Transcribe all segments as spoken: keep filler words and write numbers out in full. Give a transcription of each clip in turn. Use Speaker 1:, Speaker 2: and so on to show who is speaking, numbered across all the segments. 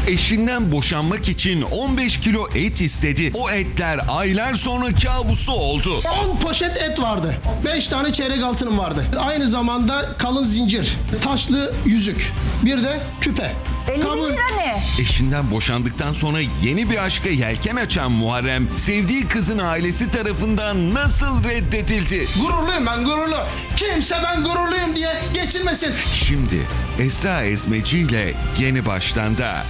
Speaker 1: Eşinden boşanmak için on beş kilo et istedi. O etler aylar sonra kabusu oldu.
Speaker 2: on poşet et vardı. beş tane çeyrek altınım vardı. Aynı zamanda kalın zincir, taşlı yüzük, bir de küpe.
Speaker 3: elli bin
Speaker 2: Kabul.
Speaker 3: lira ne?
Speaker 1: Eşinden boşandıktan sonra yeni bir aşka yelken açan Muharrem, sevdiği kızın ailesi tarafından nasıl reddedildi?
Speaker 2: Gururluyum ben, gururlu. Kimse ben gururluyum diye geçilmesin.
Speaker 1: Şimdi Esra Ezmeci ile Yeni Baştan'da.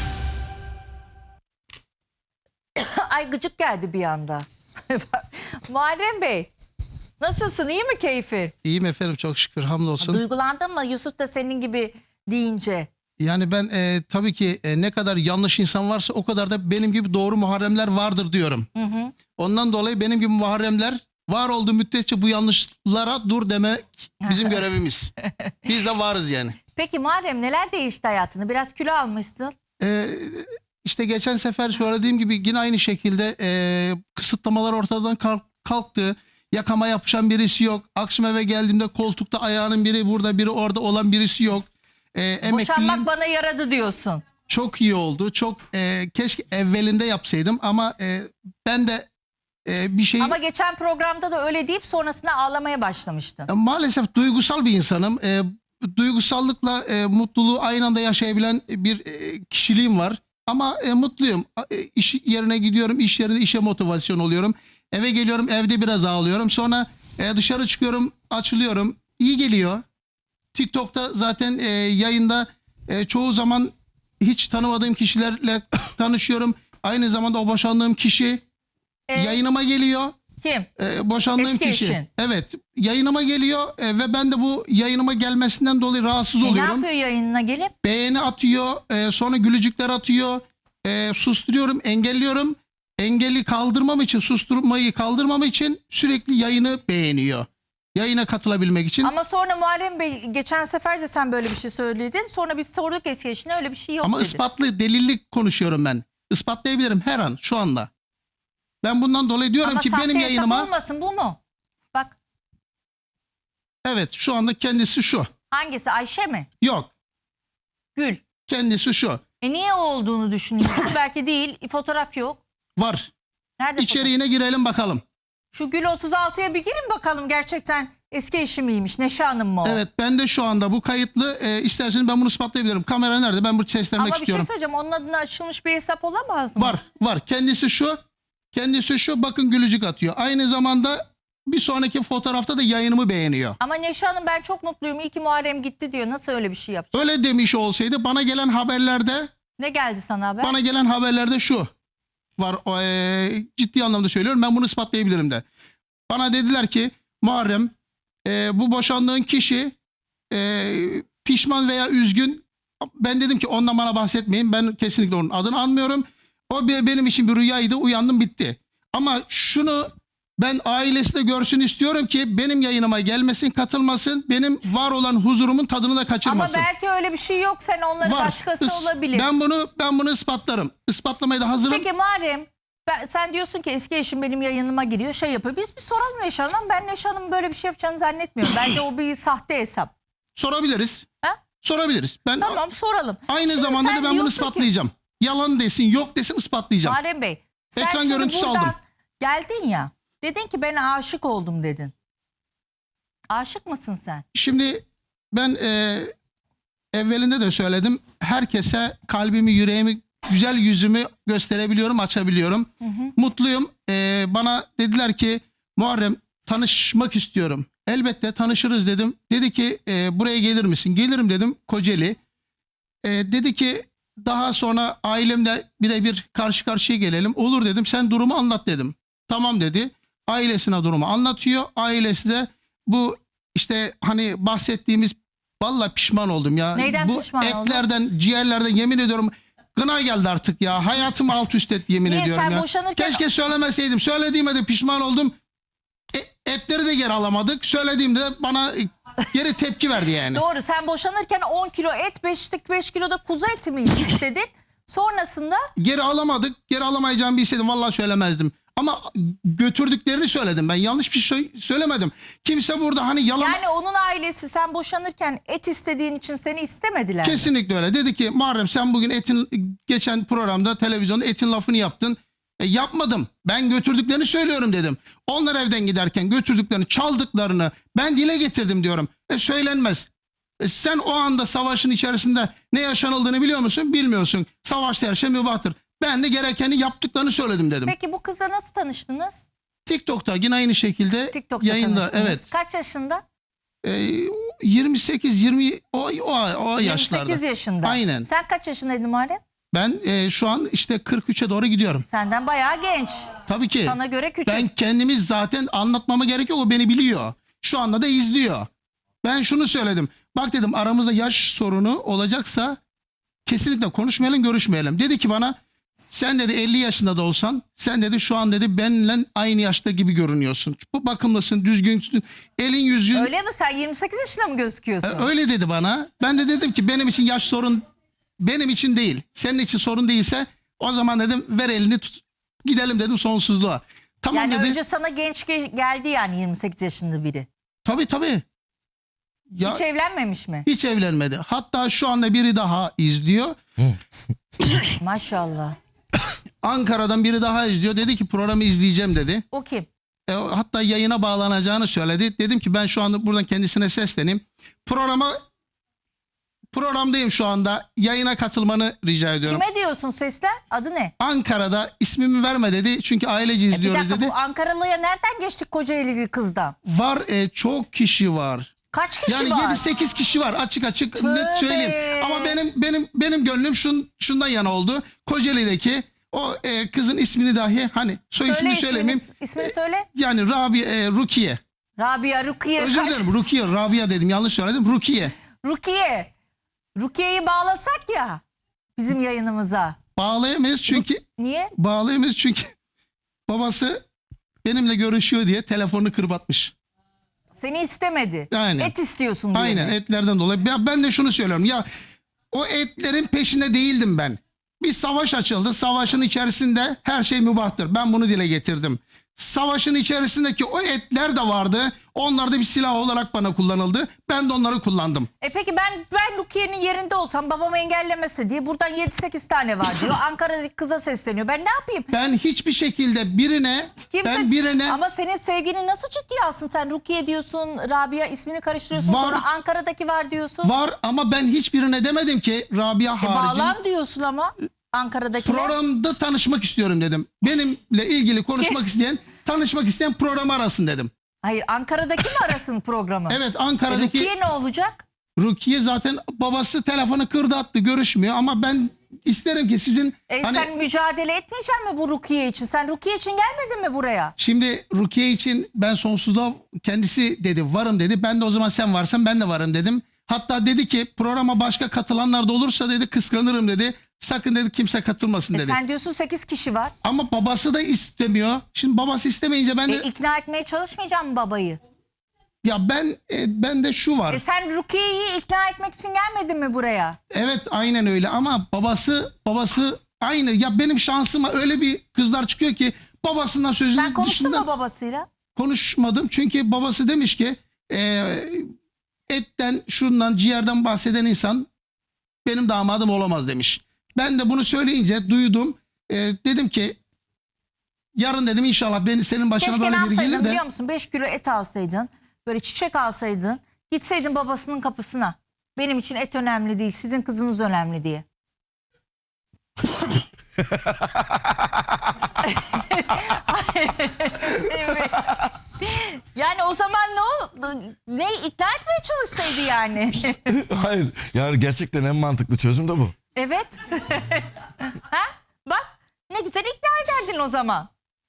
Speaker 3: Ay gıcık geldi bir anda. Muharrem Bey, nasılsın? İyi mi keyfin?
Speaker 2: İyiyim efendim, çok şükür, hamdolsun.
Speaker 3: Duygulandın mı Yusuf da senin gibi deyince?
Speaker 2: Yani ben e, tabii ki e, ne kadar yanlış insan varsa o kadar da benim gibi doğru Muharremler vardır diyorum.
Speaker 3: Hı hı.
Speaker 2: Ondan dolayı benim gibi Muharremler var olduğu müddetçe bu yanlışlara dur demek bizim görevimiz. Biz de varız yani.
Speaker 3: Peki Muharrem, neler değişti hayatında? Biraz kilo almışsın.
Speaker 2: Ee, işte geçen sefer söylediğim gibi yine aynı şekilde e, kısıtlamalar ortadan kalk- kalktı. Yakama yapışan birisi yok. Akşam eve geldiğimde koltukta ayağının biri burada, biri orada olan birisi yok. E, emekliliğim
Speaker 3: Boşanmak bana yaradı diyorsun.
Speaker 2: çok iyi oldu. Çok e, keşke evvelinde yapsaydım ama e, ben de e, bir şey
Speaker 3: Ama geçen programda da öyle deyip sonrasında ağlamaya başlamıştın.
Speaker 2: maalesef duygusal bir insanım. E, duygusallıkla e, mutluluğu aynı anda yaşayabilen bir e, kişiliğim var. Ama e, mutluyum. E, iş yerine gidiyorum, iş yerinde işe motivasyon oluyorum. Eve geliyorum, evde biraz ağlıyorum. Sonra e, dışarı çıkıyorum, açılıyorum. İyi geliyor. TikTok'ta zaten e, yayında e, çoğu zaman hiç tanımadığım kişilerle tanışıyorum. Aynı zamanda o boşandığım kişi
Speaker 3: Ee,
Speaker 2: yayınıma geliyor.
Speaker 3: Kim?
Speaker 2: E, boşandığım
Speaker 3: Eski
Speaker 2: kişi.
Speaker 3: eşin.
Speaker 2: Evet. Yayınıma geliyor e, ve ben de bu yayınıma gelmesinden dolayı rahatsız
Speaker 3: E, ne
Speaker 2: oluyorum.
Speaker 3: yapıyor yayınına gelip?
Speaker 2: Beğeni atıyor, e, sonra gülücükler atıyor. E, susturuyorum, engelliyorum. Engeli kaldırmam için, susturmayı kaldırmam için sürekli yayını beğeniyor. Yayına katılabilmek için.
Speaker 3: Ama sonra Muharrem Bey, geçen sefer de sen böyle bir şey söyledin. Sonra biz sorduk eski eşine, öyle bir şey yok
Speaker 2: Ama
Speaker 3: dedi.
Speaker 2: ispatlı, delillik konuşuyorum ben. Ispatlayabilirim her an, şu anda. Ben bundan dolayı diyorum
Speaker 3: Ama
Speaker 2: ki
Speaker 3: sahte
Speaker 2: benim
Speaker 3: hesap
Speaker 2: yayınıma...
Speaker 3: olmasın, bu mu? Bak,
Speaker 2: Evet, şu anda kendisi şu.
Speaker 3: hangisi, Ayşe mi?
Speaker 2: Yok,
Speaker 3: Gül.
Speaker 2: kendisi şu.
Speaker 3: E niye o olduğunu düşünüyorsun? Belki değil, fotoğraf yok.
Speaker 2: Var.
Speaker 3: Nerede fotoğraf?
Speaker 2: İçeriğine girelim bakalım.
Speaker 3: Şu Gül otuz altıya bir girin bakalım, gerçekten eski eşi miymiş? Neşe Hanım mı o?
Speaker 2: Evet, ben de şu anda bu kayıtlı. E, isterseniz ben bunu ispatlayabilirim. Kamera nerede? Ben bunu seslenmek
Speaker 3: Ama bir şey
Speaker 2: istiyorum.
Speaker 3: söyleyeceğim, onun adına açılmış bir hesap olamaz mı?
Speaker 2: Var, var. Kendisi şu. Kendisi şu. Bakın gülücük atıyor. Aynı zamanda bir sonraki fotoğrafta da yayınımı beğeniyor.
Speaker 3: Ama Neşe Hanım, ben çok mutluyum, iyi ki Muharrem gitti diyor. Nasıl öyle bir şey yapacak?
Speaker 2: Öyle demiş olsaydı bana gelen haberlerde
Speaker 3: Ne geldi sana haber?
Speaker 2: bana gelen haberlerde şu var. O, e, ciddi anlamda söylüyorum. Ben bunu ispatlayabilirim de. Bana dediler ki Muharrem, e, bu boşandığın kişi e, pişman veya üzgün. Ben dedim ki ondan bana bahsetmeyin. Ben kesinlikle onun adını anmıyorum. O bir, benim için bir rüyaydı. Uyandım, bitti. Ama şunu ben ailesi de görsün istiyorum ki benim yayınıma gelmesin, katılmasın. Benim var olan huzurumun tadını da
Speaker 3: Ama
Speaker 2: kaçırmasın.
Speaker 3: belki öyle bir şey yok, sen onları
Speaker 2: Var.
Speaker 3: başkası
Speaker 2: Is-
Speaker 3: olabilir.
Speaker 2: Ben bunu ben bunu ispatlarım. Ispatlamaya da hazırım.
Speaker 3: Peki Muharrem, ben, sen diyorsun ki eski eşim benim yayınıma giriyor, şey yapıyor. Biz bir soralım Neşe Hanım'a. Ben Neşe Hanım'ın böyle bir şey yapacağını zannetmiyorum. Bence o bir sahte hesap.
Speaker 2: Sorabiliriz.
Speaker 3: Ha?
Speaker 2: Sorabiliriz. Ben
Speaker 3: Tamam, soralım.
Speaker 2: aynı
Speaker 3: Şimdi
Speaker 2: zamanda
Speaker 3: sen
Speaker 2: da ben bunu
Speaker 3: diyorsun ki-
Speaker 2: ispatlayacağım. Yalan desin, yok desin, ispatlayacağım.
Speaker 3: Muharrem Bey, sen
Speaker 2: Ekran
Speaker 3: şimdi
Speaker 2: görüntüsü
Speaker 3: buradan
Speaker 2: aldım.
Speaker 3: geldin ya. Dedin ki ben aşık oldum dedin. Aşık mısın sen?
Speaker 2: Şimdi ben e, evvelinde de söyledim. Herkese kalbimi, yüreğimi, güzel yüzümü gösterebiliyorum, açabiliyorum. Mutluyum. E, bana dediler ki Muharrem, tanışmak istiyorum. Elbette tanışırız dedim. Dedi ki e, buraya gelir misin? Gelirim dedim, Kocaeli. E, dedi ki daha sonra ailemle birebir karşı karşıya gelelim. Olur dedim, sen durumu anlat dedim. Tamam dedi. Ailesine durumu anlatıyor. Ailesi de bu işte hani bahsettiğimiz, vallahi pişman oldum ya.
Speaker 3: Neyden
Speaker 2: bu
Speaker 3: pişman oldun?
Speaker 2: etlerden, ciğerlerden yemin ediyorum gına geldi artık ya. Hayatımı alt üst et yemin
Speaker 3: Niye?
Speaker 2: ediyorum
Speaker 3: Sen
Speaker 2: ya.
Speaker 3: boşanırken-
Speaker 2: Keşke söylemeseydim. Söylediğime de pişman oldum. E, etleri de geri alamadık. Söylediğimde bana geri tepki verdi yani.
Speaker 3: Doğru, sen boşanırken on kilo et, beş kilo da kuzu eti mi istedin? Sonrasında
Speaker 2: Geri alamadık. Geri alamayacağımı bilseydim vallahi söylemezdim. Ama götürdüklerini söyledim ben. Yanlış bir şey söylemedim. Kimse burada hani yalan...
Speaker 3: Yani onun ailesi sen boşanırken et istediğin için seni istemediler mi?
Speaker 2: Kesinlikle öyle. Dedi ki Muharrem sen bugün etin geçen programda televizyonda etin lafını yaptın. E, yapmadım. Ben götürdüklerini söylüyorum dedim. Onlar evden giderken götürdüklerini, çaldıklarını ben dile getirdim diyorum. E, söylenmez. E, sen o anda savaşın içerisinde ne yaşanıldığını biliyor musun? Bilmiyorsun. Savaşta her şey mübahtır. Ben de gerekeni yaptıklarını söyledim dedim.
Speaker 3: Peki bu kızla nasıl tanıştınız?
Speaker 2: TikTok'ta yine aynı şekilde
Speaker 3: TikTok'ta
Speaker 2: yayında.
Speaker 3: tanıştınız.
Speaker 2: Evet.
Speaker 3: Kaç yaşında?
Speaker 2: E, yirmi sekiz yirmi o, o, o yaşlarda.
Speaker 3: yirmi sekiz yaşında.
Speaker 2: Aynen.
Speaker 3: Sen kaç yaşındaydın Muharrem?
Speaker 2: Ben e, şu an işte kırk üçe doğru gidiyorum.
Speaker 3: Senden bayağı genç.
Speaker 2: Tabii ki.
Speaker 3: Sana göre küçük.
Speaker 2: Ben kendimi zaten anlatmama gerek yok. O beni biliyor. Şu anda da izliyor. Ben şunu söyledim. Bak dedim aramızda yaş sorunu olacaksa kesinlikle konuşmayalım, görüşmeyelim. Dedi ki bana sen dedi elli yaşında da olsan sen dedi şu an dedi benimle aynı yaşta gibi görünüyorsun. Bu bakımlısın, düzgünsün. Elin yüzün
Speaker 3: Öyle mi? Sen yirmi sekiz yaşında mı gözüküyorsun?
Speaker 2: E, öyle dedi bana. Ben de dedim ki benim için yaş sorun benim için değil. Senin için sorun değilse o zaman dedim ver elini tut. Gidelim dedim sonsuzluğa. Tamam
Speaker 3: Yani
Speaker 2: dedi.
Speaker 3: önce sana genç ge- geldi yani yirmi sekiz yaşında biri.
Speaker 2: Tabii tabii. Ya,
Speaker 3: Hiç evlenmemiş mi?
Speaker 2: hiç evlenmedi. Hatta şu anda biri daha izliyor.
Speaker 3: Maşallah.
Speaker 2: Ankara'dan biri daha izliyor. Dedi ki programı izleyeceğim dedi.
Speaker 3: O kim?
Speaker 2: E, hatta yayına bağlanacağını söyledi. Dedim ki ben şu anda buradan kendisine sesleneyim. Programa programdayım şu anda. Yayına katılmanı rica ediyorum.
Speaker 3: Kime diyorsun sesler? Adı ne?
Speaker 2: Ankara'da ismimi verme dedi. Çünkü ailece
Speaker 3: E bir
Speaker 2: izliyoruz
Speaker 3: dakika
Speaker 2: dedi.
Speaker 3: bu Ankaralı'ya nereden geçtik Kocaeli'li kızdan?
Speaker 2: Var e, çok kişi var.
Speaker 3: Kaç kişi
Speaker 2: Yani
Speaker 3: var?
Speaker 2: yedi sekiz kişi var açık açık
Speaker 3: Tövbe.
Speaker 2: net söyleyeyim. Ama benim benim benim gönlüm şun, şundan yana oldu. Kocaeli'deki o e, kızın ismini dahi hani soy
Speaker 3: Söyle
Speaker 2: ismini
Speaker 3: ismini,
Speaker 2: söylemeyeyim.
Speaker 3: ismini söyle.
Speaker 2: Yani Rabi e, Rukiye.
Speaker 3: Rabia Rukiye.
Speaker 2: Özür
Speaker 3: kaç-
Speaker 2: dilerim Rukiye. Rabia dedim yanlış söyledim. Rukiye.
Speaker 3: Rukiye. Rukiye'yi bağlasak ya bizim yayınımıza.
Speaker 2: Bağlayamayız çünkü
Speaker 3: Niye?
Speaker 2: bağlayamayız çünkü babası benimle görüşüyor diye telefonunu kırbatmış.
Speaker 3: Seni istemedi.
Speaker 2: Aynen.
Speaker 3: Et istiyorsun diye.
Speaker 2: Aynen
Speaker 3: mi?
Speaker 2: etlerden dolayı. Ben, ben de şunu söylüyorum. Ya o etlerin peşinde değildim ben. Bir savaş açıldı. Savaşın içerisinde her şey mübahtır. Ben bunu dile getirdim. Savaşın içerisindeki o etler de vardı. Onlar da bir silah olarak bana kullanıldı. Ben de onları kullandım.
Speaker 3: E peki ben ben Rukiye'nin yerinde olsam babam engellemese diye buradan yedi sekiz tane var diyor. Ankara'daki kıza sesleniyor. Ben ne yapayım?
Speaker 2: Ben hiçbir şekilde birine
Speaker 3: Kimse-
Speaker 2: ben birine
Speaker 3: Ama senin sevgini nasıl ciddiye alsın? Sen Rukiye diyorsun, Rabia ismini karıştırıyorsun.
Speaker 2: Var.
Speaker 3: Sonra Ankara'daki var diyorsun.
Speaker 2: var ama ben hiçbirine demedim ki Rabia
Speaker 3: E
Speaker 2: harici.
Speaker 3: bağlan diyorsun ama Ankara'dakine.
Speaker 2: Programda tanışmak istiyorum dedim. Benimle ilgili konuşmak isteyen, tanışmak isteyen programı arasın dedim.
Speaker 3: Hayır Ankara'daki mi arasın programı?
Speaker 2: Evet
Speaker 3: E,
Speaker 2: Ankara'daki
Speaker 3: Rukiye ne olacak?
Speaker 2: Rukiye zaten babası telefonu kırdı attı görüşmüyor ama ben isterim ki sizin
Speaker 3: E
Speaker 2: hani
Speaker 3: sen mücadele etmeyeceksin mi bu Rukiye için? Sen Rukiye için gelmedin mi buraya?
Speaker 2: şimdi Rukiye için ben sonsuzluğa kendisi dedi varım dedi. Ben de o zaman sen varsan ben de varım dedim. Hatta dedi ki programa başka katılanlar da olursa dedi kıskanırım dedi. Sakın dedi kimse katılmasın
Speaker 3: E
Speaker 2: dedi.
Speaker 3: sen diyorsun sekiz kişi var.
Speaker 2: Ama babası da istemiyor. Şimdi babası istemeyince ben de
Speaker 3: E ikna etmeye çalışmayacağım mı babayı?
Speaker 2: ya ben e, ben de şu var.
Speaker 3: E sen Rukiye'yi ikna etmek için gelmedin mi buraya?
Speaker 2: Evet aynen öyle ama babası babası aynı. Ya benim şansıma öyle bir kızlar çıkıyor ki babasından sözünün
Speaker 3: Sen konuştun
Speaker 2: dışında
Speaker 3: mu babasıyla?
Speaker 2: konuşmadım. Çünkü babası demiş ki e, etten şundan ciğerden bahseden insan benim damadım olamaz demiş. Ben de bunu söyleyince duydum. E, dedim ki yarın dedim inşallah beni senin başına
Speaker 3: Keşke ne
Speaker 2: böyle biri
Speaker 3: yapsaydın
Speaker 2: gelir de.
Speaker 3: biliyor musun? beş kilo et alsaydın. Böyle çiçek alsaydın. Gitseydin babasının kapısına. Benim için et önemli değil. Sizin kızınız önemli diye. Yani o zaman ne oldu? Ne ikna etmeye çalışsaydı yani.
Speaker 4: Hayır. Yani gerçekten en mantıklı çözüm de bu.
Speaker 3: Evet. Ha? Bak ne güzel ikna ederdin o zaman.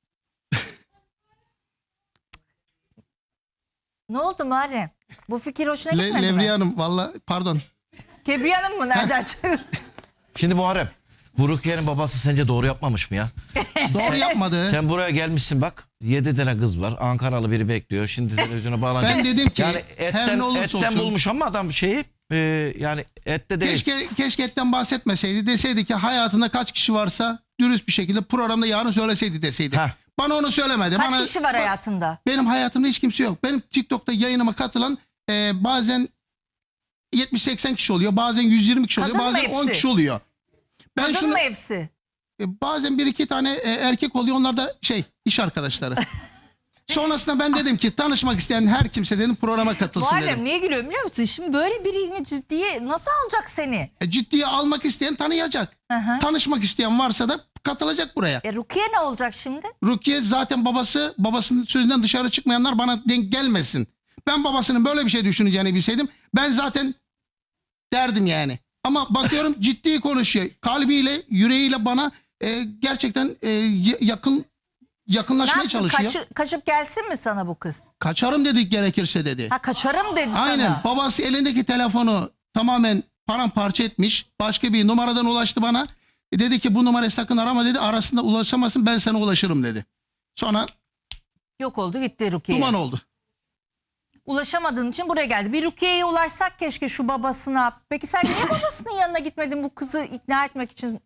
Speaker 3: Ne oldu Muharrem? Bu fikir hoşuna
Speaker 2: Le,
Speaker 3: gitmedi
Speaker 2: Levriye
Speaker 3: mi?
Speaker 2: Hanım valla pardon.
Speaker 3: Kebriye Hanım mı? Nereden çıktı?
Speaker 4: Şimdi Muharrem, bu Rukiye'nin babası sence doğru yapmamış mı ya?
Speaker 2: Doğru yapmadı.
Speaker 4: Sen buraya gelmişsin bak. Yedi tane kız var. Ankaralı biri bekliyor. Şimdi televizyona bağlanacak.
Speaker 2: Ben dedim ki
Speaker 4: yani
Speaker 2: her
Speaker 4: etten,
Speaker 2: ne olursa
Speaker 4: etten
Speaker 2: olsun.
Speaker 4: bulmuş ama adam şeyi e, yani ette değil.
Speaker 2: Keşke, keşke etten bahsetmeseydi. Deseydi ki hayatında kaç kişi varsa dürüst bir şekilde programda yarın söyleseydi deseydi.
Speaker 4: Heh.
Speaker 2: Bana onu söylemedi.
Speaker 3: Kaç
Speaker 2: Bana,
Speaker 3: kişi var
Speaker 2: ba-
Speaker 3: hayatında?
Speaker 2: Benim hayatımda hiç kimse yok. Benim TikTok'ta yayınıma katılan e, bazen yetmiş seksen kişi oluyor. Bazen yüz yirmi kişi oluyor.
Speaker 3: Kadın mı
Speaker 2: Bazen on
Speaker 3: hepsi?
Speaker 2: kişi oluyor. Ben
Speaker 3: Kadın
Speaker 2: şunu,
Speaker 3: mı hepsi?
Speaker 2: e, bazen bir iki tane e, erkek oluyor. Onlar da şey iş arkadaşları. Sonrasında ben dedim ki tanışmak isteyen her kimse dedim programa katılsın
Speaker 3: Muharrem
Speaker 2: dedim.
Speaker 3: niye gülüyorum biliyor musun? Şimdi böyle birini ciddiye nasıl alacak seni?
Speaker 2: E, ciddiye almak isteyen tanıyacak.
Speaker 3: Hı hı.
Speaker 2: Tanışmak isteyen varsa da katılacak buraya.
Speaker 3: E Rukiye ne olacak şimdi?
Speaker 2: Rukiye zaten babası, babasının sözünden dışarı çıkmayanlar bana denk gelmesin. Ben babasının böyle bir şey düşüneceğini bilseydim ben zaten derdim yani. Ama bakıyorum ciddi konuşuyor. Kalbiyle, yüreğiyle bana e, gerçekten e, y- yakın
Speaker 3: Ne
Speaker 2: yakınlaşmaya
Speaker 3: yapsın?
Speaker 2: çalışıyor.
Speaker 3: Kaçı- kaçıp gelsin mi sana bu kız?
Speaker 2: Kaçarım dedik gerekirse dedi.
Speaker 3: Ha kaçarım dedi
Speaker 2: Aynen.
Speaker 3: sana.
Speaker 2: Babası elindeki telefonu tamamen paramparça etmiş. Başka bir numaradan ulaştı bana. E, dedi ki bu numarayı sakın arama dedi. Arasında ulaşamazsın, ben sana ulaşırım dedi. Sonra
Speaker 3: Yok oldu gitti Rukiye.
Speaker 2: duman oldu.
Speaker 3: Ulaşamadığın için buraya geldi. Bir Rukiye'ye ulaşsak keşke şu babasına. Peki sen niye babasının yanına gitmedin bu kızı ikna etmek için?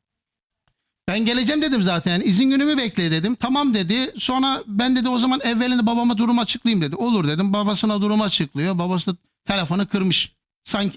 Speaker 2: Ben geleceğim dedim zaten. İzin günümü bekle dedim. Tamam dedi. Sonra ben dedi o zaman evvelinde babama durumu açıklayayım dedi. Olur dedim. Babasına durumu açıklıyor. Babası da telefonu kırmış. Sanki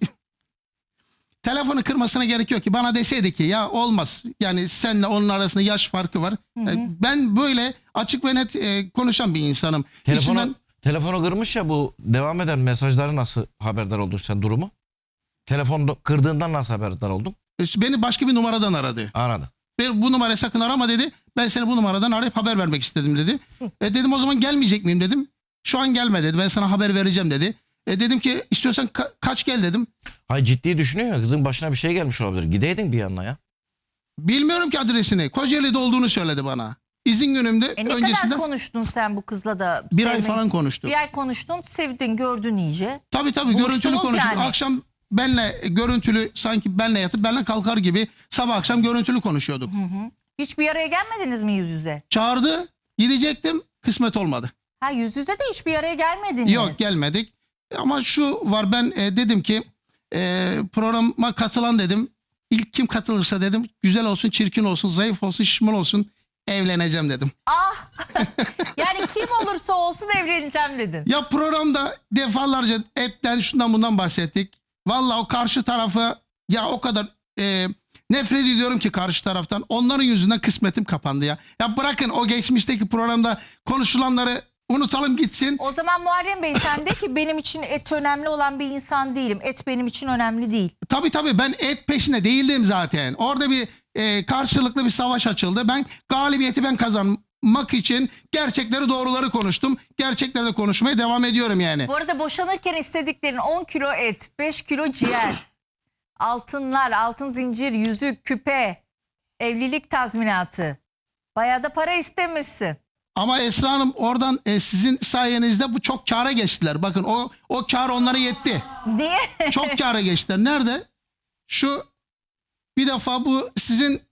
Speaker 2: telefonu kırmasına gerek yok ki. Bana deseydi ki ya olmaz. Yani seninle onun arasında yaş farkı var. E, Ben böyle açık ve net e, konuşan bir insanım.
Speaker 4: Telefonu,
Speaker 2: İçimden-
Speaker 4: telefonu kırmış ya, bu devam eden mesajları nasıl haberdar oldun sen durumu? Telefonu kırdığından nasıl haberdar oldun?
Speaker 2: beni başka bir numaradan aradı.
Speaker 4: Anladım.
Speaker 2: Ben bu numarayı sakın arama dedi. Ben seni bu numaradan arayıp haber vermek istedim dedi. E dedim o zaman gelmeyecek miyim dedim. Şu an gelme dedi. Ben sana haber vereceğim dedi. E dedim ki istiyorsan ka- kaç gel dedim.
Speaker 4: Hayır, ciddi düşünüyor ya, kızın başına bir şey gelmiş olabilir. Gideydin bir yanına ya.
Speaker 2: Bilmiyorum ki adresini. Kocaeli'de olduğunu söyledi bana. İzin günümde
Speaker 3: E ne
Speaker 2: öncesinde
Speaker 3: kadar konuştun sen bu kızla da?
Speaker 2: bir ay
Speaker 3: sevmeyi-
Speaker 2: falan konuştuk.
Speaker 3: Bir ay konuştun, sevdin, gördün iyice.
Speaker 2: Tabii tabii
Speaker 3: Buluştunuz
Speaker 2: görüntülü konuştuk.
Speaker 3: yani.
Speaker 2: Akşam benle e, görüntülü sanki benle yatıp benle kalkar gibi sabah akşam görüntülü konuşuyorduk.
Speaker 3: Hiç bir araya gelmediniz mi yüz yüze?
Speaker 2: Çağırdı, gidecektim, kısmet olmadı.
Speaker 3: Ha yüz yüze de hiç bir araya gelmediniz.
Speaker 2: Yok gelmedik. Ama şu var, ben e, dedim ki e, programa katılan dedim. İlk kim katılırsa dedim güzel olsun, çirkin olsun, zayıf olsun, şişman olsun evleneceğim dedim.
Speaker 3: Ah! Yani kim olursa olsun evleneceğim dedin.
Speaker 2: Ya programda defalarca etten şundan bundan bahsettik. Vallahi o karşı tarafı ya o kadar e, nefret ediyorum ki karşı taraftan. Onların yüzünden kısmetim kapandı ya. Ya bırakın o geçmişteki programda konuşulanları unutalım gitsin.
Speaker 3: O zaman Muharrem Bey sen de ki benim için et önemli olan bir insan değilim. Et benim için önemli değil.
Speaker 2: Tabii tabii ben et peşine değildim zaten. Orada bir e, karşılıklı bir savaş açıldı. Ben galibiyeti ben kazanmak için gerçekleri doğruları konuştum. Gerçeklerle konuşmaya devam ediyorum yani.
Speaker 3: Bu arada boşanırken istediklerin on kilo et, beş kilo ciğer, altınlar, altın zincir, yüzük, küpe, evlilik tazminatı. Bayağı da para istemişsin.
Speaker 2: Ama Esra Hanım oradan e, sizin sayenizde bu çok kâra geçtiler. Bakın o o kâr onlara yetti.
Speaker 3: Niye?
Speaker 2: Çok kâra geçtiler. Nerede? Şu bir defa bu sizin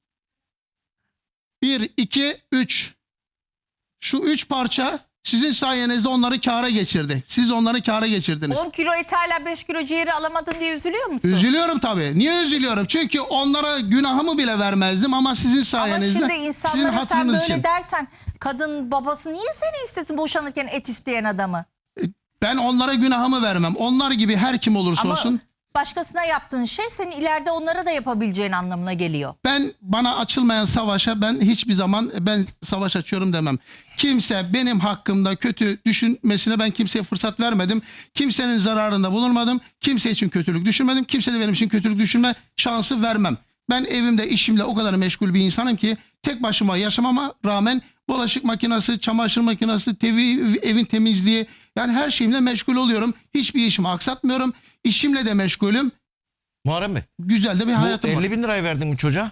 Speaker 2: bir, iki, üç. Şu üç parça sizin sayenizde onları kâra geçirdi. Siz onları kâra geçirdiniz.
Speaker 3: on kilo et hala beş kilo ciğeri alamadın diye üzülüyor musun?
Speaker 2: Üzülüyorum tabii. Niye üzülüyorum? Çünkü onlara günahımı bile vermezdim ama sizin
Speaker 3: Ama
Speaker 2: sayenizde,
Speaker 3: şimdi
Speaker 2: sizin
Speaker 3: insanlara sen
Speaker 2: hatırınız
Speaker 3: böyle
Speaker 2: için.
Speaker 3: dersen kadın babası niye seni istesin boşanırken et isteyen adamı?
Speaker 2: Ben onlara günahımı vermem. Onlar gibi her kim olursa
Speaker 3: Ama
Speaker 2: olsun.
Speaker 3: başkasına yaptığın şey senin ileride onlara da yapabileceğin anlamına geliyor.
Speaker 2: Ben bana açılmayan savaşa ben hiçbir zaman ben savaş açıyorum demem. Kimse benim hakkımda kötü düşünmesine ben kimseye fırsat vermedim. Kimsenin zararında bulunmadım. Kimse için kötülük düşünmedim. Kimse de benim için kötülük düşünme şansı vermem. Ben evimde işimle o kadar meşgul bir insanım ki tek başıma yaşamama rağmen bulaşık makinesi, çamaşır makinesi, tevi, evin temizliği yani her şeyimle meşgul oluyorum. Hiçbir işimi aksatmıyorum. İşimle de meşgulüm.
Speaker 4: Muharrem Bey,
Speaker 2: Güzel de bir
Speaker 4: bu
Speaker 2: hayatım var.
Speaker 4: elli bin lirayı verdin mi çocuğa?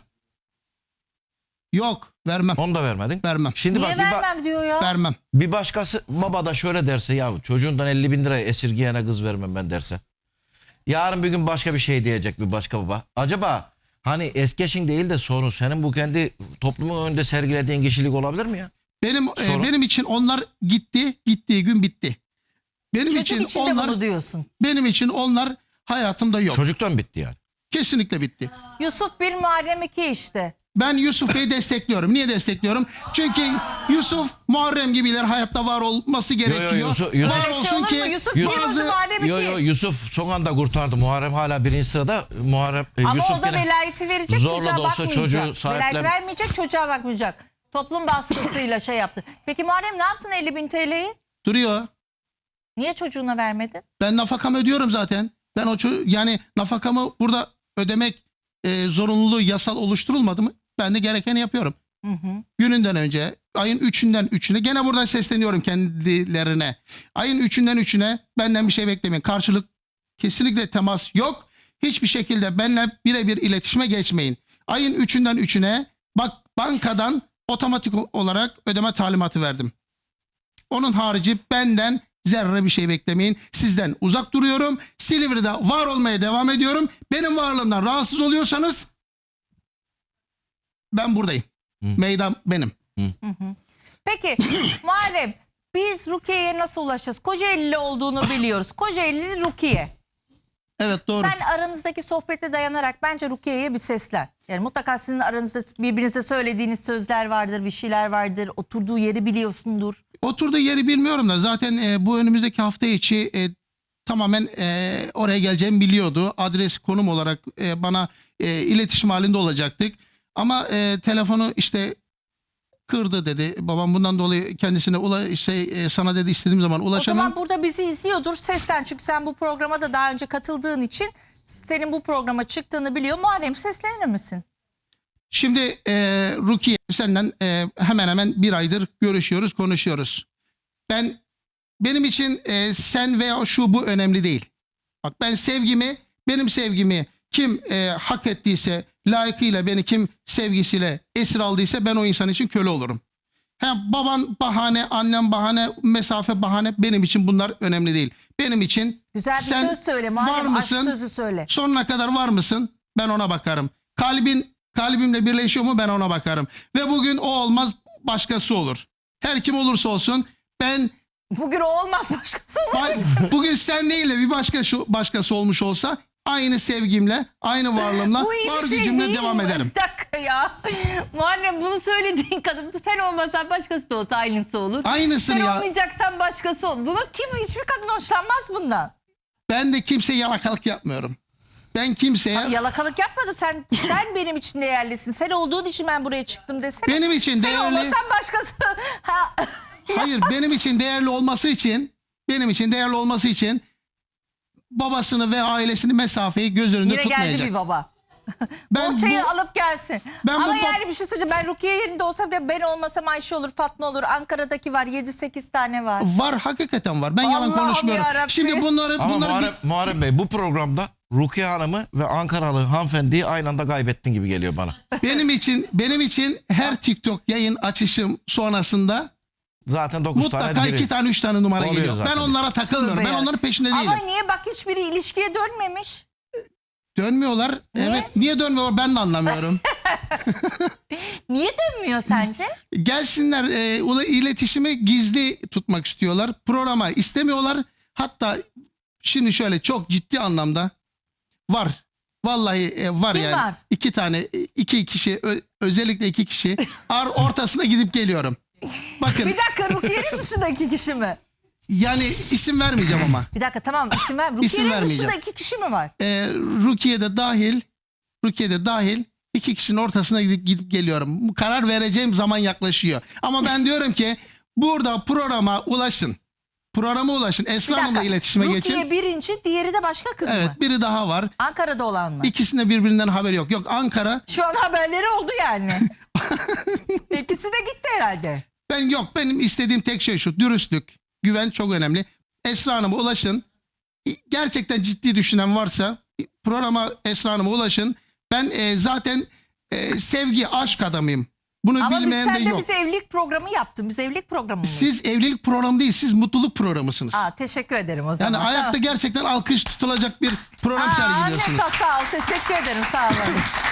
Speaker 2: Yok vermem.
Speaker 4: Onu da vermedin.
Speaker 2: Vermem.
Speaker 4: Şimdi
Speaker 3: Niye
Speaker 4: bak bir, ba-
Speaker 3: vermem diyor ya.
Speaker 2: Vermem.
Speaker 4: bir başkası baba da şöyle derse, ya çocuğundan elli bin lirayı esirgeyene kız vermem ben derse. Yarın bir gün başka bir şey diyecek bir başka baba. Acaba hani eski eşin değil de sorun senin bu kendi toplumun önünde sergilediğin kişilik olabilir mi ya?
Speaker 2: Benim e,
Speaker 4: Sonra?
Speaker 2: benim için onlar gitti, gittiği gün bitti. Benim
Speaker 3: Çocuk
Speaker 2: için
Speaker 3: için de
Speaker 2: onlar
Speaker 3: bunu diyorsun.
Speaker 2: benim için onlar hayatımda yok.
Speaker 4: Çocuktan bitti yani.
Speaker 2: Kesinlikle bitti.
Speaker 3: Yusuf bir Muharrem iki işte.
Speaker 2: Ben Yusuf Bey'i destekliyorum. Niye destekliyorum? Çünkü Yusuf Muharrem gibiler hayatta var olması gerekiyor.
Speaker 4: Yusuf- Yusuf-
Speaker 2: Var
Speaker 3: Böyle şey
Speaker 2: olsun
Speaker 3: olur
Speaker 2: ki
Speaker 3: mu? Yusuf niye
Speaker 2: bazı-
Speaker 3: bozdu Muharrem'i
Speaker 4: Yo
Speaker 3: ki?
Speaker 4: yo Yusuf son anda kurtardı. Muharrem hala birinci sırada. Muharrem e,
Speaker 3: Ama
Speaker 4: Yusuf
Speaker 3: o da
Speaker 4: gene
Speaker 3: velayeti verecek,
Speaker 4: zorla
Speaker 3: çocuğa
Speaker 4: da olsa
Speaker 3: bakmayacak.
Speaker 4: çocuğu
Speaker 3: Velayet
Speaker 4: sahiplen.
Speaker 3: vermeyecek, çocuğa bakmayacak. Toplum baskısıyla şey yaptı. Peki Muharrem ne yaptın elli bin T L'yi?
Speaker 2: Duruyor.
Speaker 3: Niye çocuğuna vermedin?
Speaker 2: Ben nafakamı ödüyorum zaten. Ben o ço- yani nafakamı burada ödemek e, zorunluluğu yasal oluşturulmadı mı? Ben de gerekeni yapıyorum.
Speaker 3: Hı hı.
Speaker 2: Gününden önce ayın üçünden üçüne gene buradan sesleniyorum kendilerine. Ayın üçünden üçüne benden bir şey beklemeyin. Karşılık kesinlikle temas yok. Hiçbir şekilde benimle birebir iletişime geçmeyin. Ayın üçünden üçüne bak bankadan otomatik olarak ödeme talimatı verdim. Onun harici benden zerre bir şey beklemeyin. Sizden uzak duruyorum. Silivri'de var olmaya devam ediyorum. Benim varlığımdan rahatsız oluyorsanız ben buradayım. Meydan benim.
Speaker 3: Peki Muharrem, biz Rukiye'ye nasıl ulaşacağız? Kocaeli'li olduğunu biliyoruz. Kocaeli'li Rukiye.
Speaker 2: Evet doğru.
Speaker 3: Sen aranızdaki sohbete dayanarak bence Rukiye'ye bir seslen. Yani mutlaka sizin aranızda birbirinize söylediğiniz sözler vardır, bir şeyler vardır. Oturduğu yeri biliyorsundur.
Speaker 2: Oturduğu yeri bilmiyorum da zaten e, bu önümüzdeki hafta içi e, tamamen e, oraya geleceğimi biliyordu. Adres, konum olarak e, bana e, iletişim halinde olacaktık. Ama e, telefonu işte kırdı dedi. Babam bundan dolayı kendisine ula, şey, e, sana dedi istediğim zaman
Speaker 3: O
Speaker 2: ulaşamam.
Speaker 3: zaman burada bizi izliyordur. Seslen, çünkü sen bu programa da daha önce katıldığın için senin bu programa çıktığını biliyor. Muharrem, seslenir misin?
Speaker 2: Şimdi e, Rukiye senden e, hemen hemen bir aydır görüşüyoruz, konuşuyoruz. Ben benim için e, sen veya şu bu önemli değil. Bak ben sevgimi, benim sevgimi kim e, hak ettiyse, layıkıyla beni kim sevgisiyle esir aldıysa ben o insan için köle olurum. Hem baban bahane, annem bahane, mesafe bahane, benim için bunlar önemli değil. Benim için
Speaker 3: Güzel bir
Speaker 2: sen
Speaker 3: söz söyle
Speaker 2: var
Speaker 3: Muharrem, aşk
Speaker 2: mısın?
Speaker 3: sözü söyle.
Speaker 2: Sonuna kadar var mısın? Ben ona bakarım. Kalbin kalbimle birleşiyor mu? Ben ona bakarım. Ve bugün o olmaz, başkası olur. Her kim olursa olsun ben
Speaker 3: Bugün o olmaz, başkası olur.
Speaker 2: ba- bugün sen değil de bir başka şu başkası olmuş olsa aynı sevgimle, aynı varlığımla,
Speaker 3: Bu iyi
Speaker 2: var
Speaker 3: bir şey
Speaker 2: gücümle
Speaker 3: değil
Speaker 2: devam
Speaker 3: mi?
Speaker 2: ederim.
Speaker 3: Bir dakika ya. Muharrem, bunu söylediğin kadın, sen olmasan başkası da olsa aynısı olur.
Speaker 2: Aynısını
Speaker 3: Sen
Speaker 2: ya.
Speaker 3: olmayacaksan başkası olur. Bunu kim, hiçbir kadın hoşlanmaz bundan.
Speaker 2: Ben de kimseye yalakalık yapmıyorum. Ben kimseye
Speaker 3: Yalakalık yapmadı. Sen sen benim için değerlisin. Sen olduğun için ben buraya çıktım desene.
Speaker 2: benim için
Speaker 3: Sen
Speaker 2: değerli,
Speaker 3: olmasan başkası. Ha.
Speaker 2: hayır benim için değerli olması için, benim için değerli olması için babasını ve ailesini mesafeyi göz önünde
Speaker 3: Yine geldi
Speaker 2: tutmayacak.
Speaker 3: bir baba.
Speaker 2: Ben
Speaker 3: Bohçayı
Speaker 2: bu-
Speaker 3: alıp gelsin.
Speaker 2: Ben
Speaker 3: Ama
Speaker 2: bu-
Speaker 3: yani bir şey söyleyeceğim. Ben Rukiye yerinde olsam da ben olmasam Ayşe olur, Fatma olur. Ankara'daki var, yedi sekiz tane var.
Speaker 2: Var, hakikaten var. Ben yalan
Speaker 3: Allah'ım
Speaker 2: konuşmuyorum.
Speaker 3: yarabbim.
Speaker 2: Şimdi bunları
Speaker 4: Ama
Speaker 2: bunları
Speaker 4: Muharrem, Muharrem Bey bu programda Rukiye Hanım'ı ve Ankaralı hanımefendiyi aynı anda kaybettin gibi geliyor bana.
Speaker 2: benim için benim için her TikTok yayın açışım sonrasında
Speaker 4: Zaten dokuz tane
Speaker 2: mutlaka
Speaker 4: giriyor.
Speaker 2: iki tane üç tane numara
Speaker 4: Oluyor
Speaker 2: geliyor.
Speaker 4: zaten.
Speaker 2: Ben onlara takılmıyorum.
Speaker 3: Tövbe
Speaker 2: Ben
Speaker 3: ya.
Speaker 2: onların peşinde değilim.
Speaker 3: Ama niye bak hiçbiri ilişkiye dönmemiş?
Speaker 2: Dönmüyorlar.
Speaker 3: Niye?
Speaker 2: Evet. Niye dönmüyorlar ben de anlamıyorum.
Speaker 3: Niye dönmüyor sence?
Speaker 2: Gelsinler, e, ula- iletişimi gizli tutmak istiyorlar. Programa istemiyorlar. Hatta şimdi şöyle çok ciddi anlamda var. Vallahi e, var
Speaker 3: Kim
Speaker 2: yani.
Speaker 3: var?
Speaker 2: İki tane, e, iki kişi, ö- özellikle iki kişi ar ortasına gidip geliyorum. Bakın
Speaker 3: Bir dakika, Rukiye'nin dışında iki kişi mi?
Speaker 2: yani isim vermeyeceğim ama.
Speaker 3: Bir dakika, tamam, isim ver. Rukiye'nin
Speaker 2: vermeyeceğim.
Speaker 3: dışında iki kişi mi var?
Speaker 2: E, Rukiye'de dahil, Rukiye'de dahil iki kişinin ortasına gidip gidip geliyorum. Karar vereceğim zaman yaklaşıyor. Ama ben diyorum ki burada programa ulaşın. Programa ulaşın.
Speaker 3: Bir
Speaker 2: Esra Hanım'la
Speaker 3: dakika.
Speaker 2: iletişime
Speaker 3: Rukiye
Speaker 2: geçin.
Speaker 3: birinci, diğeri de başka kız mı?
Speaker 2: Evet, biri daha var.
Speaker 3: Ankara'da olan mı?
Speaker 2: İkisinde birbirinden haberi yok. Yok, Ankara.
Speaker 3: Şu an haberleri oldu yani. İkisi de gitti herhalde.
Speaker 2: Ben yok, benim istediğim tek şey şu: dürüstlük, güven çok önemli. Esra Hanım'a ulaşın. Gerçekten ciddi düşünen varsa programa Esra Hanım'a ulaşın. Ben e, zaten e, sevgi, aşk adamıyım. Bunu
Speaker 3: Ama biz
Speaker 2: bilmeyen de
Speaker 3: sen de
Speaker 2: yok.
Speaker 3: bize evlilik programı yaptın. Biz evlilik programı mıyız?
Speaker 2: Siz evlilik programı değil, siz mutluluk programısınız.
Speaker 3: Aa, teşekkür ederim o zaman.
Speaker 2: Yani ayakta gerçekten alkış tutulacak bir program
Speaker 3: Aa,
Speaker 2: sergiliyorsunuz.
Speaker 3: ne sağ ol. Teşekkür ederim. Sağ olun.